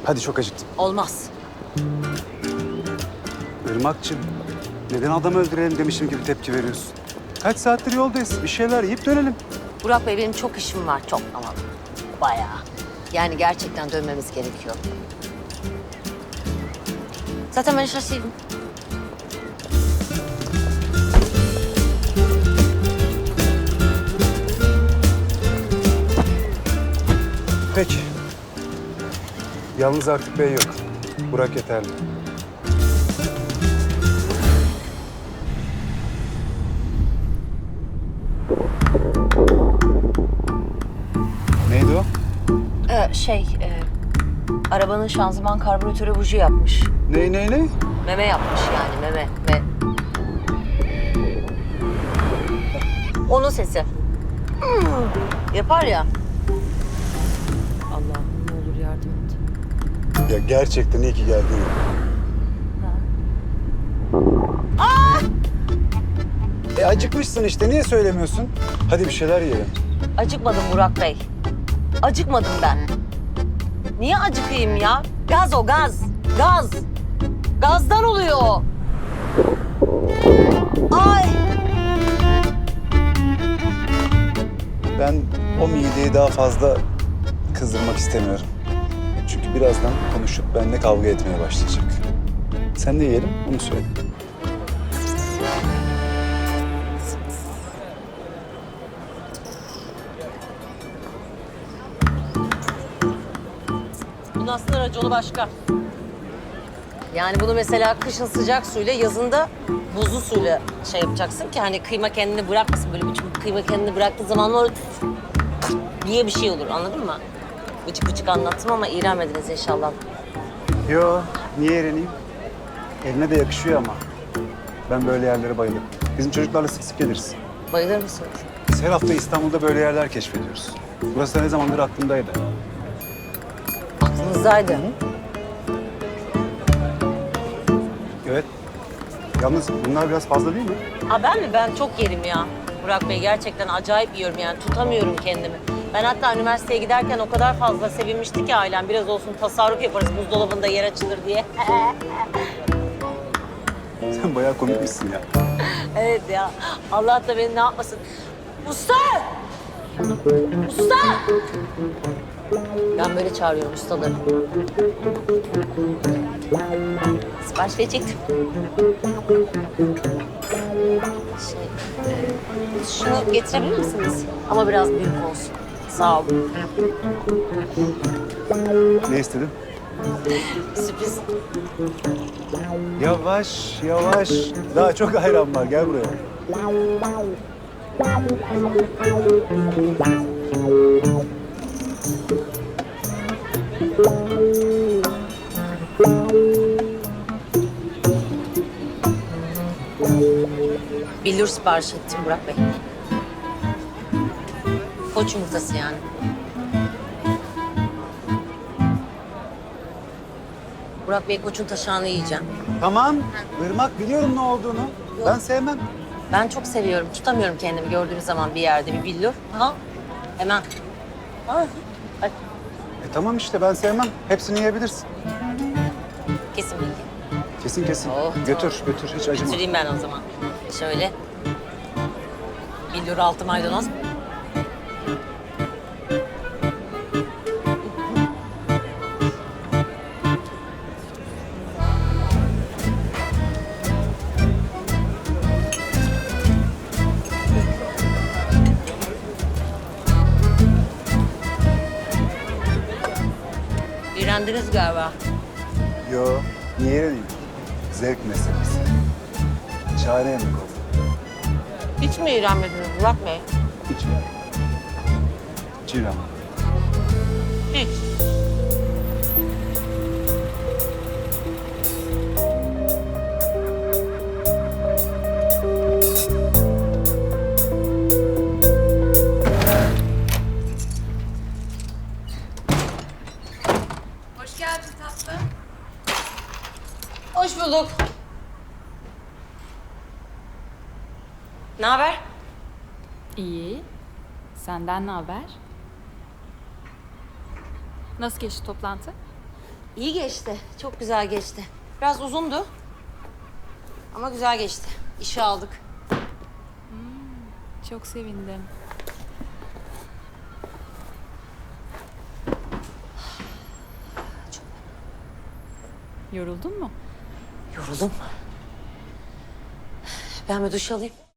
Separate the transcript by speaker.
Speaker 1: Hadi çok acıktım.
Speaker 2: Olmaz.
Speaker 1: Irmak'cığım, neden adam öldürelim demişim gibi tepki veriyorsun? Kaç saattir yoldayız. Bir şeyler yiyip dönelim.
Speaker 2: Burak Bey benim çok işim var çok ama bayağı. Yani gerçekten dönmemiz gerekiyor. Zaten ben şaşırdım.
Speaker 1: Peki. Yalnız artık bey yok. Burak yeterli. Neydi o?
Speaker 2: Arabanın şanzıman karbüratörü buji yapmış.
Speaker 1: Ne?
Speaker 2: Meme yapmış yani meme. Onun sesi. Yapar ya. Allah'ım ne olur yardım et.
Speaker 1: Ya gerçekten iyi ki geldin. Acıkmışsın işte. Niye söylemiyorsun? Hadi bir şeyler yiyelim.
Speaker 2: Acıkmadım Burak Bey. Acıkmadım ben. Niye acıkayım ya? Gaz o gaz. Gaz. Gazdan oluyor. Ay.
Speaker 1: Ben o mideyi daha fazla kızdırmak istemiyorum. Çünkü birazdan konuşup benimle kavga etmeye başlayacak. Sen de yiyelim, onu söyle.
Speaker 2: Bunun aslında raconu başka. Yani bunu mesela kışın sıcak suyla, yazında buzlu suyla şey yapacaksın ki hani kıyma kendini bırakmasın. Böyle bütün kıyma kendini bıraktığı zaman o diye bir şey olur, anladın mı? Bıcık anlattım ama iğrenmediniz inşallah.
Speaker 1: Yo, niye eğleneyim? Eline de yakışıyor ama. Ben böyle yerlere bayılırım. Bizim çocuklarla sık sık geliriz.
Speaker 2: Bayılır mısınız?
Speaker 1: Biz her hafta İstanbul'da böyle yerler keşfediyoruz. Burası da ne zamandır aklımdaydı.
Speaker 2: Aklınızdaydı.
Speaker 1: Evet. Yalnız bunlar biraz fazla değil mi?
Speaker 2: Ha ben mi? Ben çok yerim ya. Burak Bey gerçekten acayip yiyorum yani. Tutamıyorum kendimi. Ben hatta üniversiteye giderken o kadar fazla sevinmişti ki ailem. Biraz olsun tasarruf yaparız buzdolabında yer açılır diye.
Speaker 1: Sen bayağı komikmişsin ya.
Speaker 2: Evet ya. Allah da beni ne yapmasın. Usta! Usta! Ben böyle çağırıyorum ustaları. Sipariş verecektim. Şunu getirebilir misiniz? Ama biraz büyük olsun. Sağ olun.
Speaker 1: Ne istedin?
Speaker 2: Sürpriz.
Speaker 1: Yavaş, yavaş. Daha çok ayran var. Gel buraya.
Speaker 2: Billur sipariş ettim Burak Bey. Koç yumurtası yani. Burak Bey koçun taşağını yiyeceğim.
Speaker 1: Tamam. Irmak, biliyorum ne olduğunu. Ben sevmem.
Speaker 2: Ben çok seviyorum. Tutamıyorum kendimi gördüğüm zaman bir yerde bir billur. Ha? Hemen. Ha? Ay,
Speaker 1: Tamam işte ben sevmem. Hepsini yiyebilirsin.
Speaker 2: kesin bilgi.
Speaker 1: Kesin.
Speaker 2: Oh,
Speaker 1: Götür, hiç acıma.
Speaker 2: Götüreyim ben o zaman. Şöyle. Billur altı maydanoz. İğrendiniz galiba.
Speaker 1: Yo, niye yeneyim? Zevk meselesi. Şahane yemek oldu.
Speaker 2: Hiç mi iğrenmediniz Burak Bey?
Speaker 1: Hiç. Çiğdem.
Speaker 2: Hiç.
Speaker 3: Hoş geldin tatlım.
Speaker 2: Hoş bulduk. Ne haber?
Speaker 3: İyi. Senden ne haber? Nasıl geçti toplantı?
Speaker 2: İyi geçti. Çok güzel geçti. Biraz uzundu. Ama güzel geçti. İşe aldık.
Speaker 3: Çok sevindim. Yoruldun mu?
Speaker 2: Yoruldum. Ben bir duş alayım.